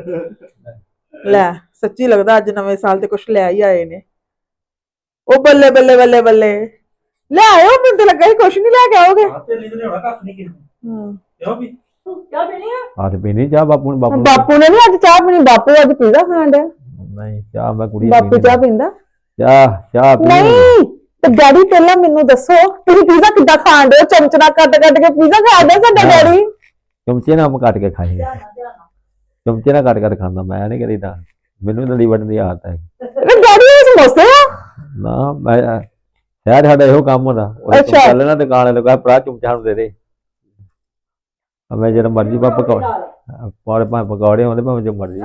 ਲੈ ਸੱਚੀ ਲੱਗਦਾ ਅੱਜ ਨਵੇਂ ਸਾਲ ਤੇ ਕੁਛ ਲੈ ਹੀ ਆਏ ਨੇ। ਉਹ ਬੱਲੇ ਬੱਲੇ ਬੱਲੇ ਬੱਲੇ ਲੈ ਆਇਓ, ਮੈਨੂੰ ਤਾਂ ਲੱਗਾ ਸੀ ਕੁਛ ਨਹੀਂ ਲੈ ਕੇ ਆਓਗੇ। ਆ ਤੇ ਪੀਣੀ ਚਾਹ ਬਾਪੂ ਨੇ ਬਾਪੂ ਨੇ ਨੀ ਅੱਜ ਚਾਹ ਪੀਣੀ, ਬਾਪੂ ਅੱਜ ਪੀਜ਼ਾ ਖਾਣ ਡਿਆ। ਨਹੀਂ ਚਾਹ ਮੈਂ ਕੁੜੀ ਬਾਪੂ ਚਾਹ ਪੀਂਦਾ? ਚਾਹ ਨਹੀਂ ਤੇ ਡੈਡੀ ਪਹਿਲਾਂ ਮੈਨੂੰ ਦੱਸੋ ਤੁਸੀਂ ਪੀਜ਼ਾ ਕਿੱਦਾਂ ਖਾਣ ਡਏ? ਚਮਚ ਨਾਲ ਕੱਟ ਕੱਟ ਕੇ ਪੀਜ਼ਾ ਖਾਂਦੇ ਸਾਡਾ ਡੈਡੀ। ਚਮਚੇ ਨਾਲ ਕੱਟ ਕੇ ਖਾਈ, ਚਮਚੇ ਨਾਲ ਕੱਟ ਖਾਂਦਾ ਮੈਂ ਨਹੀਂ ਕਰੀਦਾ, ਮੈਨੂੰ ਨਲੀ ਵੱਢਣ ਦੀ ਆਦਤ ਹੈ। ਡੈਡੀ ਇਹ ਸਮੋਸੇ ਆ ਨਾ ਮੈਂ ਸ਼ਾਇਦ ਸਾਡਾ ਇਹੋ ਕੰਮ ਹੁੰਦਾ। ਉਹ ਚੱਲ ਨਾ ਦੁਕਾਨ ਵਾਲੇ ਕਹੇ ਭਰਾ ਚਮਚਾ ਨੂੰ ਦੇ ਦੇ, ਮੈਂ ਜਿਹੜਾ ਮਰਜ਼ੀ ਪਕੌੜੇ ਹੁੰਦੇ ਭਾਵੇਂ ਜੋ ਮਰਜ਼ੀ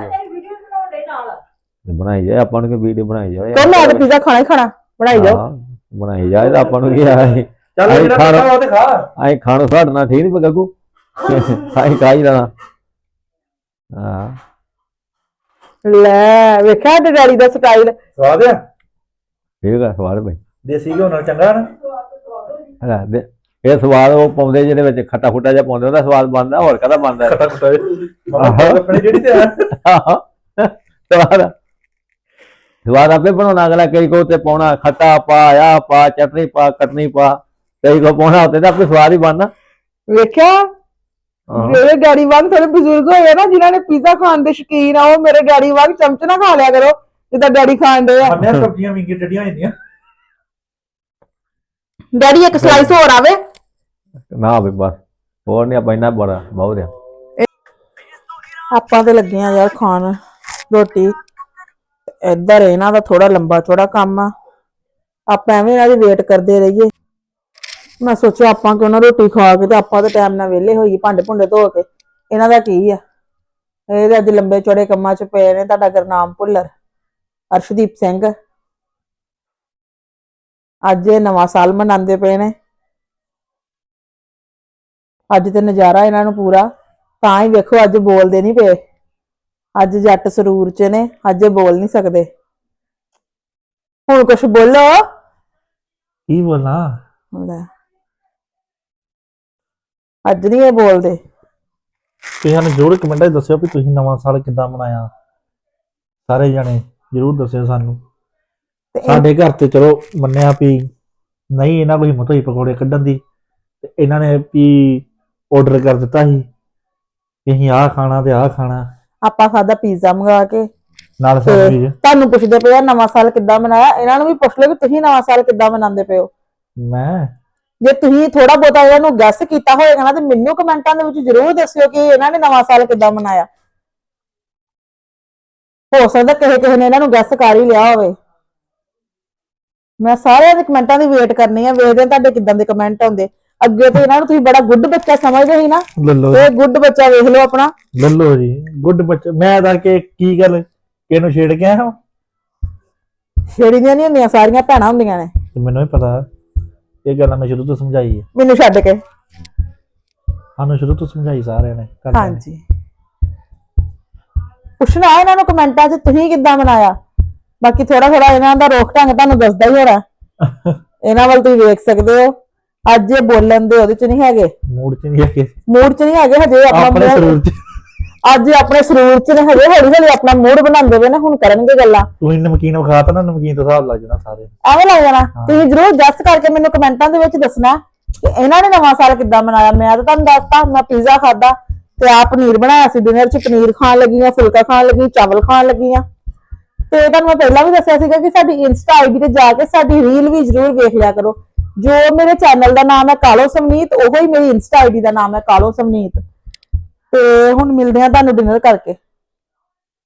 ਬਣਾਈ ਜਾਏ, ਆਪਾਂ ਨੂੰ ਕੀ ਵੀਡੀਓ ਬਣਾਈ ਜਾਏ। ਮੈਂ ਤਾਂ ਪੀਜ਼ਾ ਖਾਣਾ ਹੀ ਖਾਣਾ, ਬਣਾਈ ਜਾਓ ਬਣਾਈ ਜਾਏ ਤਾਂ ਆਪਾਂ ਨੂੰ ਕੀ ਆ। ਅਸੀਂ ਖਾਣੋ ਸਾਡਣਾ ਠੀਕ ਨੀ ਗੱਗੂ, ਅਸੀਂ ਖਾਈ ਜਾਣਾ। ਹਾਂ ਲੈ ਵੇਖਿਆ ਤੇ ਡੈਡੀ ਦਾ ਸਟਾਈਲ ਸਵਾਦ ਆ, ਠੀਕ ਆ ਸਵਾਦ ਬਈ, ਦੇਸੀ ਘਿਓ ਨਾਲ ਚੰਗਾ ਨਾ। ਇਹ ਸਵਾਦ ਉਹ ਪਾਉਂਦੇ ਜਿਹਦੇ ਵਿੱਚ ਖੱਟਾ ਖੁੱਟਾ ਜਿਹਾ ਪਾਉਂਦੇ, ਉਹਦਾ ਸਵਾਦ ਬਣਦਾ, ਹੋਰ ਕਾਹਦਾ ਬਣਦਾ? ਖੱਟਾ ਖੁੱਟਾ ਆਪਣੀ ਜਿਹੜੀ ਤੇ ਸਵਾਦ ਆਪੇ ਬਣਾਉਣਾ। ਅਗਲਾ ਕਈ ਕੋ ਤੇ ਪਾਉਣਾ ਖੱਟਾ ਪਾ, ਆ ਪਾ, ਚਟਨੀ ਪਾ, ਕਟਨੀ ਪਾ, ਕਈ ਕੋ ਪਾਉਣਾ ਉੱਤੇ ਤਾਂ ਆਪੇ ਸਵਾਦ ਹੀ ਬਣਨਾ। ਵੇਖਿਆ ਮੇਰੇ ਡੈਡੀ ਵਾਂਗ ਥੋੜੇ ਬਜ਼ੁਰਗ ਹੋਏ ਨਾ ਜਿਨ੍ਹਾਂ ਨੇ ਪੀਜ਼ਾ ਖਾਣ ਦੇ ਸ਼ੌਕੀਨ ਆ, ਉਹ ਮੇਰੇ ਡੈਡੀ ਵਾਂਗ ਚਮਚ ਨਾ ਖਾ ਲਿਆ ਕਰੋ ਜਿੱਦਾਂ ਡੈਡੀ ਖਾਣ ਦੇ ਆ। ਸਬਜ਼ੀਆਂ ਵਿੰਗੀ ਟੱਡੀਆਂ ਹੁੰਦੀਆਂ। ਡੈਡੀ ਇੱਕ ਸਲਾਈਸ ਹੋਰ ਆਵੇ ਨਾ ਵੀ ਬਸ ਹੋਰ ਨਹੀਂ, ਆਪਾਂ ਇੰਨਾ ਬੜਾ ਬਹੁਤ ਆ। ਆਪਾਂ ਤੇ ਲੱਗੇ ਆ ਯਾਰ ਖਾਣ ਰੋਟੀ। ਇੱਧਰ ਇਹਨਾਂ ਦਾ ਥੋੜਾ ਲੰਬਾ ਚੌੜਾ ਕੰਮ ਆ, ਆਪਾਂ ਐਵੇਂ ਇਹਨਾਂ ਦੀ ਵੇਟ ਕਰਦੇ ਰਹੀਏ। ਮੈਂ ਸੋਚਿਆ ਆਪਾਂ ਕਿਉਂ ਨਾ ਰੋਟੀ ਖਾ ਕੇ ਤੇ ਆਪਾਂ ਤਾਂ ਟਾਈਮ ਨਾਲ ਵਿਹਲੇ ਹੋਈਏ, ਭਾਂਡੇ ਭੁੰਡੇ ਧੋ ਕੇ। ਇਹਨਾਂ ਦਾ ਕੀ ਆ, ਇਹ ਅੱਜ ਲੰਬੇ ਚੌੜੇ ਕੰਮਾਂ 'ਚ ਪਏ ਨੇ। ਤੁਹਾਡਾ ਗੁਰਨਾਮ ਭੁੱਲਰ, ਅਰਸ਼ਦੀਪ ਸਿੰਘ ਅੱਜ ਇਹ ਨਵਾਂ ਸਾਲ ਮਨਾਉਂਦੇ ਪਏ ਨੇ। ਅੱਜ ਤੇ ਨਜ਼ਾਰਾ ਇਹਨਾਂ ਨੂੰ ਪੂਰਾ, ਤਾਂ ਹੀ ਵੇਖੋ ਅੱਜ ਬੋਲਦੇ ਨਹੀਂ ਪਏ। ਅੱਜ ਜੱਟ ਸਰੂਰ 'ਚ ਨੇ, ਅੱਜ ਬੋਲ ਨਹੀਂ ਸਕਦੇ। ਹੁਣ ਕੁਛ ਬੋਲੋ। ਕੀ ਬੋਲਾਂ? ਅੱਜ ਨਹੀਂ ਇਹ ਬੋਲਦੇ। ਤੁਸੀਂ ਸਾਨੂੰ ਜ਼ਰੂਰ ਕਮੈਂਟਾਂ 'ਚ ਦੱਸਿਓ ਵੀ ਤੁਸੀਂ ਨਵਾਂ ਸਾਲ ਕਿੱਦਾਂ ਮਨਾਇਆ। ਸਾਰੇ ਜਣੇ ਜ਼ਰੂਰ ਦੱਸਿਓ ਸਾਨੂੰ। ਸਾਡੇ ਘਰ ਤੇ ਚਲੋ ਮੰਨਿਆ ਵੀ ਨਹੀਂ ਇਹਨਾਂ ਕੋਈ ਹਿੰਮਤ ਹੋਈ ਪਕੌੜੇ ਕੱਢਣ ਦੀ, ਤੇ ਇਹਨਾਂ ਨੇ ਵੀ ਆਰਡਰ ਕਰ ਦਿੱਤਾ ਸੀ ਕਿ ਅਸੀਂ ਆਹ ਖਾਣਾ ਤੇ ਆਹ ਖਾਣਾ। ਆਪਾਂ ਖਾਦਾ ਪੀਜ਼ਾ ਮੰਗਾ ਕੇ ਨਾਲ ਸੈਂਡਵਿਚ। ਤੁਹਾਨੂੰ ਪੁੱਛਦੇ ਪਏ ਆ ਨਵਾਂ ਸਾਲ ਕਿੱਦਾਂ ਮਨਾਇਆ, ਇਹਨਾਂ ਨੂੰ ਵੀ ਪੁੱਛ ਲਓ ਕਿ ਤੁਸੀਂ ਨਵਾਂ ਸਾਲ ਕਿੱਦਾਂ ਮਨਾਉਂਦੇ ਪਏ ਹੋ। ਮੈਂ ਜੇ ਤੁਸੀਂ ਥੋੜਾ ਬਹੁਤਾ ਇਹਨਾਂ ਨੂੰ ਗੈਸ ਕੀਤਾ ਹੋਏਗਾ ਨਾ ਤੇ ਮੈਨੂੰ ਕਮੈਂਟਾਂ ਦੇ ਵਿੱਚ ਜ਼ਰੂਰ ਦੱਸਿਓ ਕਿ ਇਹਨਾਂ ਨੇ ਨਵਾਂ ਸਾਲ ਕਿੱਦਾਂ ਮਨਾਇਆ। ਹੋ ਸਕਦਾ ਕਿਸੇ ਨੇ ਇਹਨਾਂ ਨੂੰ ਗੈਸ ਕਰ ਹੀ ਲਿਆ ਹੋਵੇ। ਮੈਂ ਸਾਰਿਆਂ ਦੇ ਕਮੈਂਟਾਂ ਦੀ ਵੇਟ ਕਰਨੀ ਆ, ਵੇਖਦੇ ਆ ਤੁਹਾਡੇ ਕਿੱਦਾਂ ਦੇ ਕਮੈਂਟ ਆਉਂਦੇ। ਅੱਗੇ ਤੇ ਇਹਨਾਂ ਨੂੰ ਤੁਸੀਂ ਬੜਾ ਗੁੱਡ ਬੱਚਾ ਸਮਝਦੇ ਸੀ ਨਾ, ਇਹ ਗੁੱਡ ਬੱਚਾ ਵੇਖ ਲਓ ਆਪਣਾ। ਲੱਲੋ ਜੀ ਗੁੱਡ ਬੱਚਾ। ਮੈਂ ਤਾਂ ਕਿ ਕੀ ਗੱਲ ਕਿਹਨੂੰ ਛੇੜ ਕੇ ਆਇਆ? ਛੇੜੀਆਂ ਨਹੀਂ ਹੁੰਦੀਆਂ, ਸਾਰੀਆਂ ਭੈਣਾਂ ਹੁੰਦੀਆਂ ਨੇ। ਮੈਨੂੰ ਵੀ ਪਤਾ, ਇਹ ਗੱਲ ਮੈਂ ਸ਼ੁਰੂ ਤੋਂ ਸਮਝਾਈ ਹੈ। ਮੈਨੂੰ ਛੱਡ ਕੇ ਸਾਨੂੰ ਸ਼ੁਰੂ ਤੋਂ ਸਮਝਾਈ ਸਾਰਿਆਂ ਨੇ। ਹਾਂਜੀ ਪੁੱਛਣਾ ਇਹਨਾਂ ਨੂੰ ਕਮੈਂਟਾਂ 'ਚ ਤੁਸੀਂ ਕਿੱਦਾਂ ਮਨਾਇਆ। ਬਾਕੀ ਥੋੜਾ ਥੋੜਾ ਇਹਨਾਂ ਦਾ ਰੋਕ ਢੰਗ ਤੁਹਾਨੂੰ ਦੱਸਦਾ ਹੀ ਹੋਣਾ, ਇਹਨਾਂ ਵੱਲ ਤੁਸੀਂ ਵੇਖ ਸਕਦੇ ਹੋ। ਅੱਜ ਇਹ ਬੋਲਣ ਦੇ ਉਹਦੇ 'ਚ ਨਹੀਂ ਹੈਗੇ, ਮੂਡ 'ਚ ਨਹੀਂ ਹੈਗੇ, ਮੂਡ 'ਚ ਨਹੀਂ ਹੈਗੇ ਹਜੇ। ਆਪਣੇ ਸਰੂਰ 'ਚ ਅੱਜ ਆਪਣੇ ਸਰੂਰ 'ਚ ਨੇ ਹਜੇ, ਹੌਲੀ ਹੌਲੀ ਆਪਣਾ ਮੂਡ ਬਣਾਉਂਦੇ ਪਏ ਨੇ। ਹੁਣ ਕਰਨਗੇ ਗੱਲਾਂ। ਤੁਸੀਂ ਨਮਕੀਨ ਵਿਖਾਤਾ ਨਾ, ਨਮਕੀਨ ਤੋਂ ਹਿਸਾਬ ਲੱਗ ਜਾਣਾ ਸਾਰੇ, ਐਵੇਂ ਲੱਗ ਜਾਣਾ। ਤੁਸੀਂ ਜ਼ਰੂਰ ਜੱਜ ਕਰਕੇ ਮੈਨੂੰ ਕਮੈਂਟਾਂ ਦੇ ਵਿੱਚ ਦੱਸਣਾ ਕਿ ਇਹਨਾਂ ਨੇ ਨਵਾਂ ਸਾਲ ਕਿੱਦਾਂ ਮਨਾਇਆ। ਮੈਂ ਤਾਂ ਤੁਹਾਨੂੰ ਦੱਸਤਾ, ਮੈਂ ਪੀਜ਼ਾ ਖਾਦਾ ਤੇ ਆ ਪਨੀਰ ਬਣਾਇਆ ਸੀ ਡਿਨਰ 'ਚ। ਪਨੀਰ ਖਾਣ ਲੱਗੀ ਆ, ਫੁਲਕਾ ਖਾਣ ਲੱਗੀ, ਚਾਵਲ ਖਾਣ ਲੱਗੀ ਆ। ਤੇ ਤੁਹਾਨੂੰ ਮੈਂ ਪਹਿਲਾਂ ਵੀ ਦੱਸਿਆ ਸੀਗਾ ਕਿ ਸਾਡੀ ਇੰਸਟਾ ਆਈਡੀ ਤੇ ਜਾ ਕੇ ਸਾਡੀ ਰੀਲ ਵੀ ਜ਼ਰੂਰ ਵੇਖ ਲਿਆ ਕਰੋ। ਜੋ ਮੇਰੇ ਚੈਨਲ ਦਾ ਨਾਮ ਹੈ ਕਾਲੋ ਸਮਨੀਤ, ਉਹੀ ਮੇਰੀ ਇੰਸਟਾ ਆਈਡੀ ਦਾ ਨਾਮ ਹੈ ਕਾਲੋ ਸਮਨੀਤ। ਤੇ ਹੁਣ ਮਿਲਦੇ ਆ ਤੁਹਾਨੂੰ ਡਿਨਰ ਕਰਕੇ।